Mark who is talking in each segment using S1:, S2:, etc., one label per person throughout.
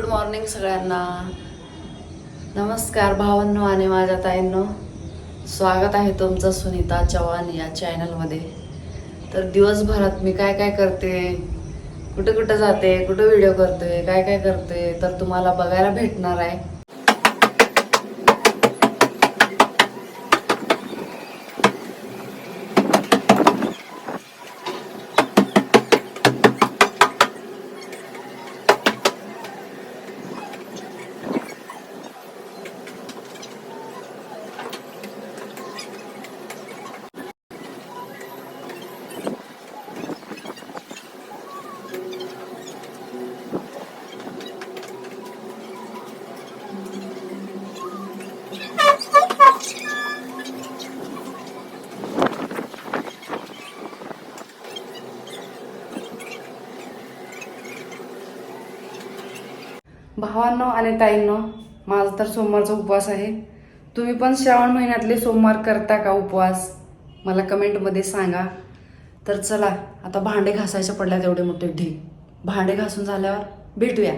S1: Morning सगळ्यांना. नमस्कार भावांनो आणि माझ्या ताईंनो, स्वागत आहे तुमचं सुनीता चव्हाण या चॅनलमध्ये. तर दिवसभरात मी काय काय करते, कुठे कुठे जाते, कुठे व्हिडिओ करते, काय काय करते, तर तुम्हाला बघायला भेटणार आहे. भावांनो आणि ताईंनो, माझा तर सोमवारचा उपवास आहे. तुम्ही पण श्रावण महिन्यातले सोमवार करता का उपवास? मला कमेंटमध्ये सांगा. तर चला, आता भांडे घासायचे पडल्यात एवढे मोठे ढीग. भांडे घासून झाल्यावर भेटूया.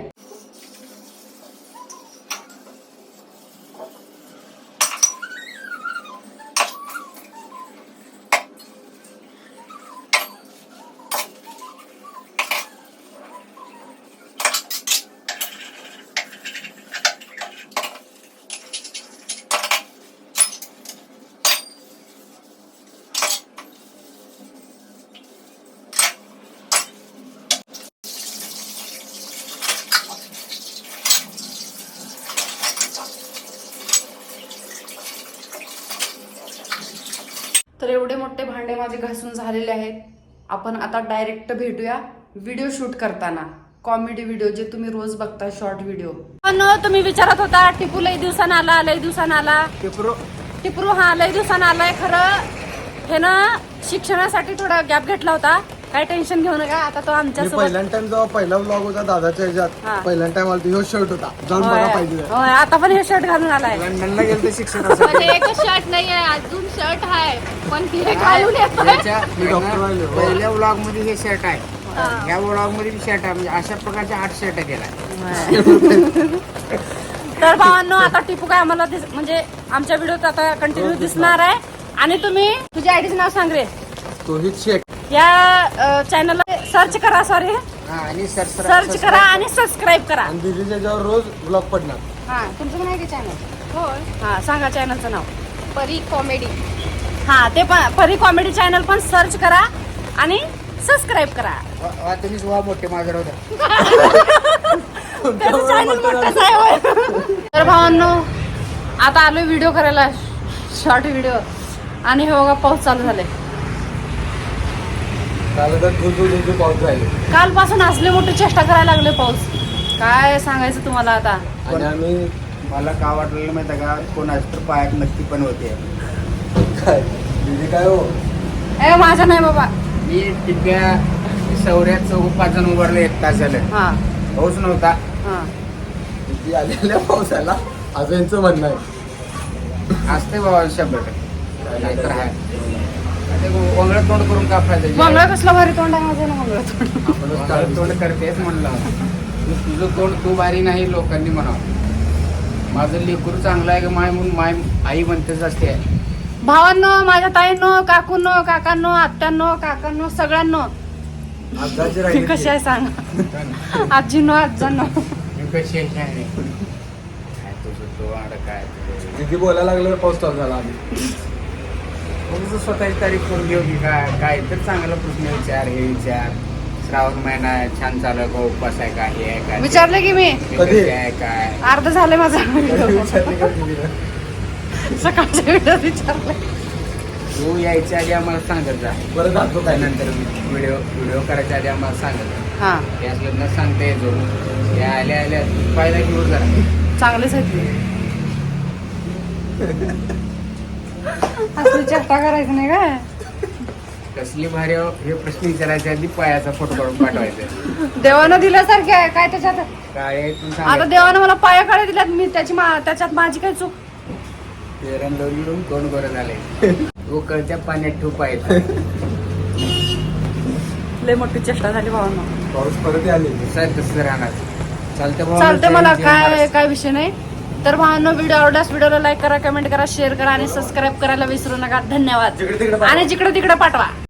S1: तर एवढे मोठे भांडे माझे घासून झालेले आहेत. आपण आता डायरेक्ट भेटूया व्हिडिओ शूट करताना. कॉमेडी व्हिडिओ जे तुम्ही रोज बघता, शॉर्ट व्हिडिओ. तुम्ही विचारत होता टिपू लई दिवसानं आला, लई दिवसानं आला. टिपरू हा लई दिवसानं आलाय. खरं हे ना शिक्षणासाठी थोडा गॅप घेतला होता. काय टेन्शन घेऊ नका. आता तो आमच्या
S2: पहिल्यांदा टाइम जेव्हा पहिला व्लॉग होता दादाच्या ह्याच्यात, पहिल्यांदा टाइम आला ह्यो शर्ट होता, जाऊन बघा पाहिजे.
S1: आता पण हे शर्ट घालून आलाय.
S2: लंडनला गेलं शिक्षणासाठी.
S3: म्हणजे एकच शर्ट नाही आहे, अजून शर्ट आहे, पण हे घालून येतोय.
S4: पहिल्या व्लॉग मध्ये हे शर्ट आहे, ह्या व्लॉग मध्ये बी शर्ट आहे. म्हणजे अशा प्रकारचे 8 शर्ट गेला.
S1: तर भावांनो, आता टिपू काय आम्हाला म्हणजे आमच्या व्हिडिओत आता कंटिन्यू दिसणार आहे. आणि तुम्ही तुझ्या आयडीचं नाव सांग रे.
S2: तोहित शेख
S1: या चॅनलला सर्च करा. सॉरी,
S4: आणि
S1: सर्च करा आणि सबस्क्राईब करा.
S2: आणि दिदीच्या याच्यावर रोज ब्लॉग पडणार.
S1: हा, तुमचं पण आहे की चॅनल?
S3: होय,
S1: हा, सांगा चॅनलचं नाव.
S3: परी कॉमेडी.
S1: हा, ते पण परी कॉमेडी चॅनल पण सर्च करा आणि सबस्क्राईब करा.
S4: तुम्हीच वा मोठे माझ्या होता.
S1: चॅनल मोठंच आहे होय. तर भावांनो, आता आलोय व्हिडिओ करायला, शॉर्ट व्हिडिओ. आणि हे बघा, पाऊस चालू झालाय.
S2: पाऊस राहिले.
S1: कालपासून असले मोठे चेष्टा करायला लागले पाऊस. काय सांगायचं तुम्हाला आता.
S2: आणि आम्ही
S4: मला का वाटलेलं माहिती आहे का, कोणाच तर पायात नक्की पण होते.
S2: काय दिदी काय हो,
S1: ए माझा नाही बाबा.
S4: मी टिप्या सौऱ्यात 5 जण उभारले, 1 तास झालं.
S1: हा
S4: पाऊस नव्हता.
S1: हा,
S2: दिदी आलेल्या पावसाला असं यांचं म्हणणं आहे.
S4: असते बाबा 100%. नाहीतर आहे वंगळ तोंड करून का फायदा.
S1: मंगळ कसला भारी तोंड आहे माझं ना. मंगळ तोंड
S4: वंगळ तोंड करतेच म्हणलं. तुझं तोंड तू भारी नाही लोकांनी म्हणावं. माझं लेकरू चांगलं आहे का माय म्हणून माय आई म्हणतेच असते.
S1: भावांनो, माझ्या ताईंनो, काकूंनो, काकांनो, आत्यांनो, काकांनो, सगळ्यांनो,
S2: आजाची राहिली
S1: कशी आहे सांगा. आजींनो, आजांनो.
S4: मी कशी आहे काय तुझं तो काय
S2: दिदी बोलायला लागल्यावर पाऊस चालू झाला. आम्ही
S4: तुझं स्वतःची तारीख करून घेऊ की काय तर चांगला प्रश्न विचार, हे विचार. श्रावण महिना आहे, छान चालू आहे का, उपवास आहे का, हे आहे का,
S1: विचारले की मी.
S2: कधी?
S4: आहे काय.
S1: अर्ध झाले माझा
S2: विचारली का दिदीला?
S1: सकाळच्या व्हिडिओ विचारले.
S4: तू यायच्या आधी आम्हाला सांगत जा.
S2: परत दाखव काय
S4: त्यानंतर व्हिडिओ करायच्या आधी आम्हाला सांगत जा.
S1: हा,
S4: या लग्न सांगता येतो. या आल्या फायदा घेऊ जरा.
S1: चांगलेच आहेत ते. असली चेष्टा करायचं नाही काय.
S4: कसली भारी हो, हे प्रश्न विचारायच्या आधी पायाचा फोटो काढून पाठवायचा.
S1: देवानं दिल्यासारखे आहे काय त्याच्यात.
S4: काय आहे तू
S1: आता देवानं मला पाया काढे दिल्यात, मी त्याच्यात माझी काय चूक.
S4: पेरण लावून कोण बरं झालंय. उकळत्या पाण्यात ठेवू पाहिजे.
S1: लय मोठी चेष्टा झाली भावांना.
S2: पाऊस परत आले.
S4: तसं राहणार.
S1: चालते मला काय विषय नाही. तर भावांनो व्हिडिओ आवडल्यास व्हिडिओला लाईक करा, कमेंट करा, शेअर करा आणि सबस्क्राईब करायला विसरू नका. धन्यवाद. आणि जिकडे तिकडे पाठवा.